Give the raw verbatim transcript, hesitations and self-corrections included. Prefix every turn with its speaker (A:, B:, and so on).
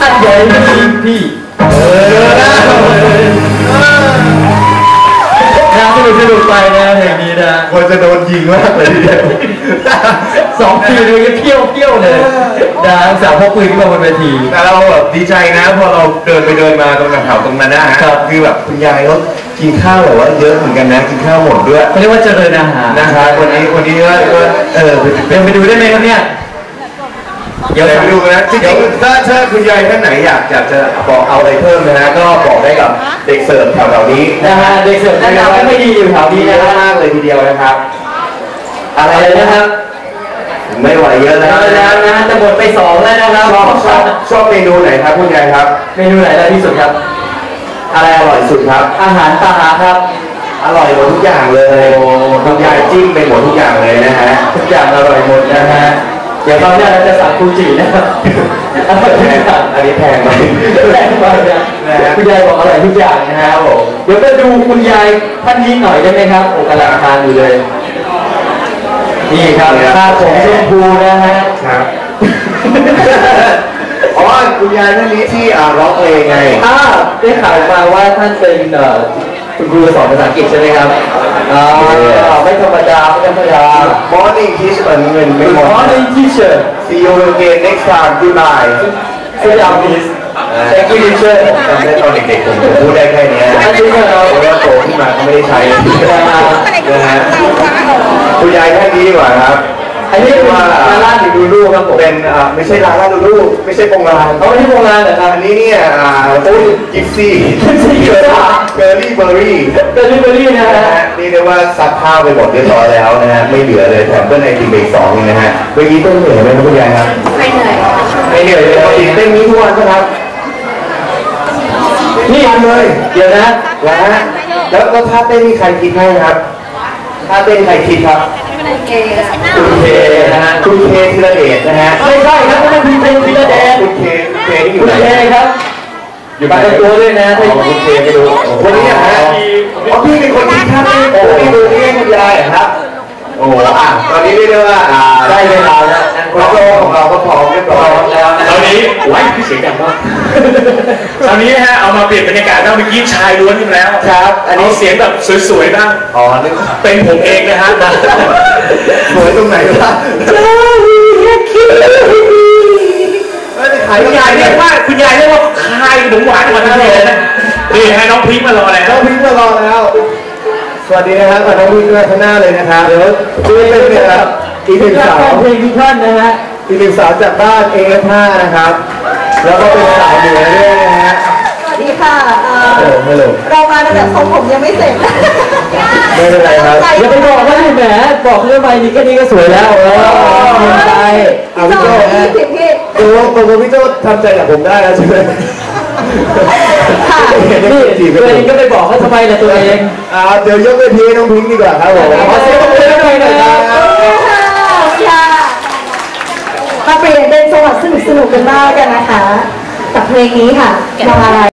A: อันใหญ่จริงพี่เออน่าสนุกสนุกไปนะเพลงนี้นะควรจะโดนยิงมากเลยทีเดียวสองทีเลยเที่ยวเที่ยวเลยนะสาวพกปืนขึ้นมาบนเวทีแต่เราแบบดีใจนะพอเราเดินไปเดินมาตรงแถวตรงนั้นนะฮะคือแบบคุณยายเขากินข้าวแบบว่าเยอะเหมือนกันนะกินข้าวหมดด้วยเขาเรียกว่าเจริญอาหารนะครับวันนี้วันนี้ก็เออเป็นไปดูได้ไหมครับเนี่ยเดี๋ยวไปดูนะจริงๆถ้าถ้าคุณยายท่านไหนอยากอยากจะบอกเอาอะไรเพิ่มนะฮะก็บอกได้กับเด็กเสิร์ฟแถวๆนี้นะฮะเด็กเสิร์ฟแนะนำไม่ดีอยู่แถวนี้นะมากเลยทีเดียวนะครับอะไรนะครับไม่ไหวเยอะแล้วแล้วนะจะหมดไปสองแล้วนะครับชอบชอบชอบเมนูไหนครับคุณยายครับเมนูไหนอร่อยที่สุดครับอะไรอร่อยสุดครับอาหารปลาครับอร่อยหมดทุกอย่างเลยคุณยายจิ้มไปหมดทุกอย่างเลยนะฮะทุกอย่างอร่อยหมดนะฮะเดี๋ยวตอนนี้เราจะสั่งฟูจินะครับอันนี้แพงไหมแพงมากนะคุณยายบอกอร่อยทุกอย่างนะครับผมเดี๋ยวไปดูคุณยายท่านนี้หน่อยได้ไหมครับโอ้กำลังทานอยู่เลยนี่ครับตาผมชมพูนะฮะครับอ๋อคุณยายท่านนี้ที่ร้องเพลงไงอ่าได้ข่าวมาว่าท่านเป็นคุณครูสอนภาษาอังกฤษใช่ไหมครับอ่าไม่ธรรมดาไม่ธรรมดา Morning teacher เงินไม่ Morning teacher see you again next time goodbye สวัสดีครับ Thank you teacher จำได้ตอนเด็กๆผมพูดได้แค่นี้นะเพราะว่าโตขึ้นมาก็ไม่ได้ใช้นะฮะคุณยายท่านนี้ดีกว่าครับอันนี้ว่าลาล่าดูดูครับผมเป็นไม่ใช่ลาล่าดูดูไม่ใช่ปงลานเขาไม่ใช่ปงลานเหรอครับอันนี้เนี่ยโอ้ยกิฟซี่เกอร์รี่เบอร์รี่เกอร์รี่เบอร์รี่นะฮะนี่เรียกว่าซักข้าวไปหมดเรียบร้อยแล้วนะฮะไม่เหลือเลยแถมเพื่อนไอทีเบรกสองนะฮะเมื่อกี้ต้องเหนื่อยไหมครับคุณยายครับไม่เหนื่อยไม่เหนื่อยเลยปกติเต้นนี้ทุกวันครับนี่วันเลยเดี๋ยวนะแล้วแล้วแล้วท่าเต้นนี่ใครคิดให้ครับท่าเต้นใครคิดครับคุณเคนะฮะคุณเคธีรเดชนะฮะไม่ใช่ครับไม่ใช่คุณเคธีรเดชคุณเคคุณเคที่อยู่ไหนคุณเคครับอยู่บ้านตัวด้วยนะถ้าคุณเคไปดูวันนี้นะฮะอ๋อพี่เป็นคนคิดท่าเต้นโอ้พี่ดูนี่คุณยายครับโอ้อ่ะตอนนี้เรียกได้ว่าได้เวลาแล้วนักร้องของเราก็พร้อมเรียบร้อยแล้วตอนนี้ไว้พี่เสียงดังมากตอนนี้ฮะเอามาเปลี่ยนบรรยากาศแล้วเมื่อกี้ชายล้วนกันแล้วครับอันนี้เสียงแบบสวยๆบ้างอ๋อนี่เป็นผมเองนะฮะสวยตรงไหนล่ะคุณยายเรียกว่าคุณยายเรียกว่าคายขนมหวานวันนั้นเลยนะนี่ให้น้องพิงค์มารอแล้วน้องพิงค์มารอแล้วสวัสดีนะครับน้องพิงค์ด้วยข้างหน้าเลยนะครับเดี๋ยวช่วยเป็นนะครับอีกหนึ่งสาวเพลงที่ท่านนะฮะอีกหนึ่งสาวจากบ้านเอฟห้านะครับแล้วก็เป็นสาวเหนือด้วยนะฮะ
B: สวัสดีค่ะเรามาแต่ทรงผมยังไม่เสร็จ
A: ไม่เป็นไรครับอย่าไปบอกว่าแหมบอกเรื่องใบนี้แค่นี้ก็สวยแล้วเออใช่เอาพี่โจ้พี่ดูว่าโกโก้พี่โจ้ทำใจกับผมได้แล้วใช่ไหมค่ะนี่ตัวเองก็ไปบอกเขาทำไมล่ะตัวเองอ่าเดี๋ยวยกเวทีน้องพิงค์ดีกว่าครับผมขอเสียงปรบมือหน่อยนะครับ
B: มาเปลี่ยนเป็นจังหวะสนุกๆกันบ้างกันนะคะกับเพลงนี้ค่ะมาอะไร